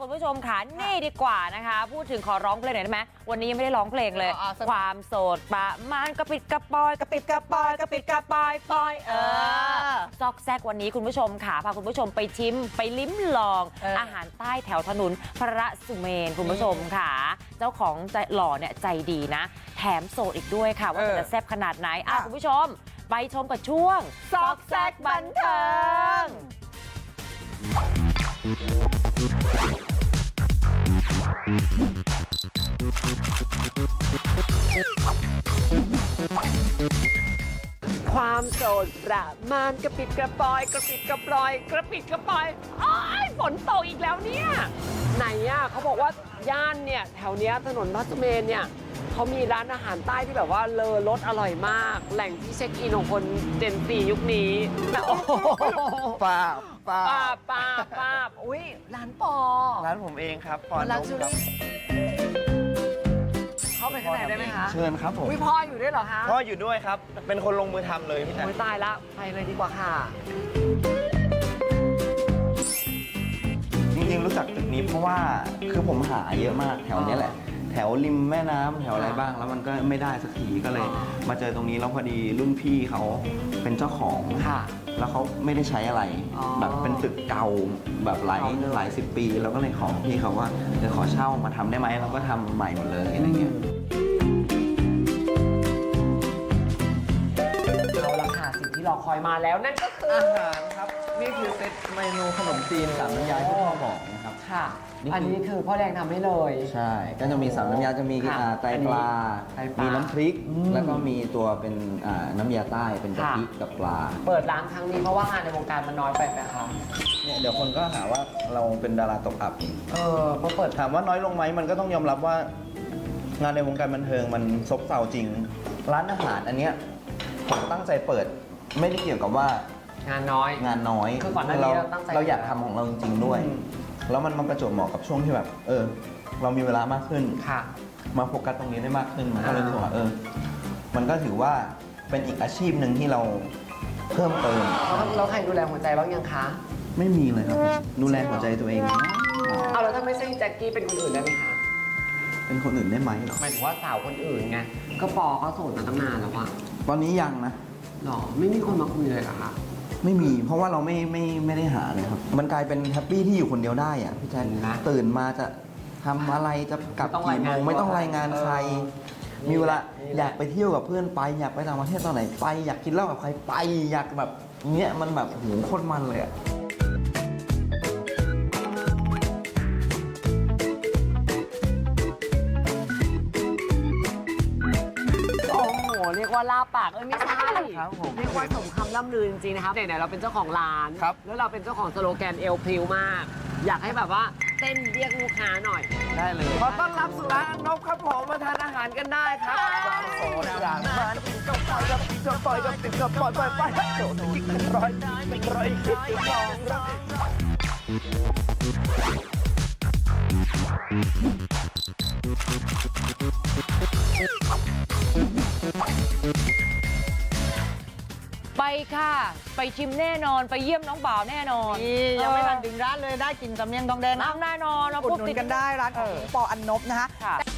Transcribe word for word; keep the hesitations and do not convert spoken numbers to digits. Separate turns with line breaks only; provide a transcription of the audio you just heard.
คุณผู้ชมค่ะนี่ดีกว่านะคะพูดถึงขอร้องเพลงหน่อยได้ไหมวันนี้ยังไม่ได้ร้องเพลงเลยความโสดปะมันกระปิดกระปอยกระปิดกระปอยกระปิดกระปอยปอยเออซอกแซกวันนี้คุณผู้ชมค่ะพาคุณผู้ชมไปชิมไปลิ้มลองอาหารใต้แถวถนนพระสุเมนคุณผู้ชมค่ะเจ้าของใจหล่อเนี่ยใจดีนะแถมโสดอีกด้วยค่ะว่าจะแซ่บขนาดไหนอ่ะคุณผู้ชมไปชมกับช่วงซอกแซกบันเทิง
ความโสดประมาณกระปิดกระปอยกระปิดกระปลอยกระปิดกระปอยอ้ายฝนตกอีกแล้วเนี่ยไหนอ่ะเขาบอกว่าย่านเนี่ยแถวเนี้ยถนนพระสุเมนเนี่ยเขามีร้านอาหารใต้ที่แบบว่าเลอรสอร่อยมากแหล่งที่เช็คอินของคนเจนซียุคนี้โอ้โห
ป้าป้า
ป้าป้าป้าอุ้ยร้านปอ
ร้านผมเองครับปอน
ร้าน
นม
ชื่อ
ครับ
เข้าไปข้างในได้ไหมคะ
เชิญครับผม
อุ้ยพ่ออยู่ด้วยเหรอคะ
พ่ออยู่ด้วยครับ เป็นคนลงมือทำเลยพี่แจ๊ค
โอ้ยตายละไปเลยดีกว่าค่ะ
จริงๆรู้จักจุดนี้เพราะว่าคือผมหาเยอะมากแถวเนี้ยแหละ แถวริมแม่น้ำแถวอะไรบ้างแล้วมันก็ไม่ได้สักทีก็เลย
อ๋อ
มาเจอตรงนี้แล้วพอดีรุ่นพี่เขาเป็นเจ้าของ
ค่ะ
แล้วเขาไม่ได้ใช้อะไร
อ๋อ
แบบเป็นตึกเก่าแบบหลาย
เก่าเลย
หลายสิบปี แล้วก็เลยขอพี่เขาว่าเดี๋ยวขอเช่ามาทำได้ไหมแล้วก็ทำใหม่หมดเลยอะไรเงี้ย
เอาละค่ะสิ่งที่รอคอยมาแล้วนั่นก็คือ
อาหารครับนี่คือเซตเมนูขนมจีนสามน้ำยาที่พ่อบอกนะครับ
ค่ะ
นี่คืออั
อันนี้คือพ่อแดงทำให้เลย
ใช่ ก็จะมีสามน้ำยาจะมี
ค่ะ
อ่าไตปลา
ไตปลามี
มีน้ำพริก
อืม
แล้วก็มีตัวเป็นอ่าน้ำยาใต้เป็นกะทิ
ค่ะ
กับปลา
เปิดร้านครั้งนี้เพราะว่างานในวงการมันน้อยไปไหมคะ
เนี่ยเดี๋ยวคนก็หาว่าเราเป็นดาราตกอับอีก
เออพอเปิด
ถามว่าน้อยลงไหมมันก็ต้องยอมรับว่างานในวงการบันเทิงมันซบเซาจริง ร้านอาหารอันเนี้ยผมตั้งใจเปิดไม่ได้เกี่ยวกับว่าง
านน้อย
งานน้อย
คือก่อนหน้านี้เราตั้งใจ
เราอยากทำของเราจริงๆด้วย
อืม
แล้วมันมาประจวบเหมาะกับช่วงที่แบบ เออ เรามีเวลามากขึ้น
ค่ะ
มาโฟกัสตรงนี้ได้มากขึ้นมันก็
อ่า
เลยรู้สึกว่าเออ มันก็ถือว่าเป็นอีกอาชีพหนึ่งที่เราเพิ่มเติม
แล้วแล้วใครดูแลหัวใจบ้างยังคะ
ไม่มีเลยครับดูแลหัวใจตัวเอง
เอาแล้วถ้าไม่ใช่แจ็คกี้เป็นคนอื่นได้ไหมคะ
เป็นคนอื่นได้ไหมเหรอ
หมายถึงว่าสาวคนอื่นไงก็ปอเขาโสดมาตั้งนานแล้วอะ
ตอนนี้ยังนะ
หรอไม่มีคนมาคุยเลยเหรอคะ
ไม่มี เพราะว่าเราไม่ไม่ไม่ได้หาเลยครับ มันกลายเป็นแฮปปี้ที่อยู่คนเดียวได้อะพี่แจ๊ค
นะ
ตื่นมาจะทำอะไรจะกลับ
ไม่ต้อง
กี่
ราย
โม
งาน
งไม่ต้องรายงานใคร
เออ
มีเวลา
นี่แหละ
อยากไปเที่ยวกับเพื่อนไป อยากไปต่างประเทศตอนไหนไป อยากกินเหล้ากับใครไป อยากแบบเนี้ยมันแบบโหโคตรมันเลยอะ
โอ้โหเรียกว่าลาปากเอ้ยไม่ใช่
ครับผม
เรียกว่าสมคำล่ำลือจริงๆนะครับไหนๆเราเป็นเจ้าของร้าน
ครับ
แล้วเราเป็นเจ้าของสโลแกนเอลพริวมาก อยากให้แบบว่าเต้นเรียกลูกค้าหน่อย
ได้เลย
ขอต้อนรับสู่ร้านนกครับผมมาทานอาหารกันได้ครับ
โสดอย่างมันก็ปล่อยกับก็ปล่อยกับติดก็ปล่อยปล่อยปล่อยโสดกิ๊กเป็นร้อยเป็นร้อยกิ๊กเป็นสองร้อย
ไปค่ะไปชิมแน่นอนไปเยี่ยมน้องบ่าวแน่นอน
นี่ยังไม่ทันถึงร้านเลยได้กินสำเนียงทองแดงนะ
น้ำแน่นอนเรา
อุด
พูด
หนุน
ติด
กันได้ร้านของปออันนบนะคะ
ค่ะ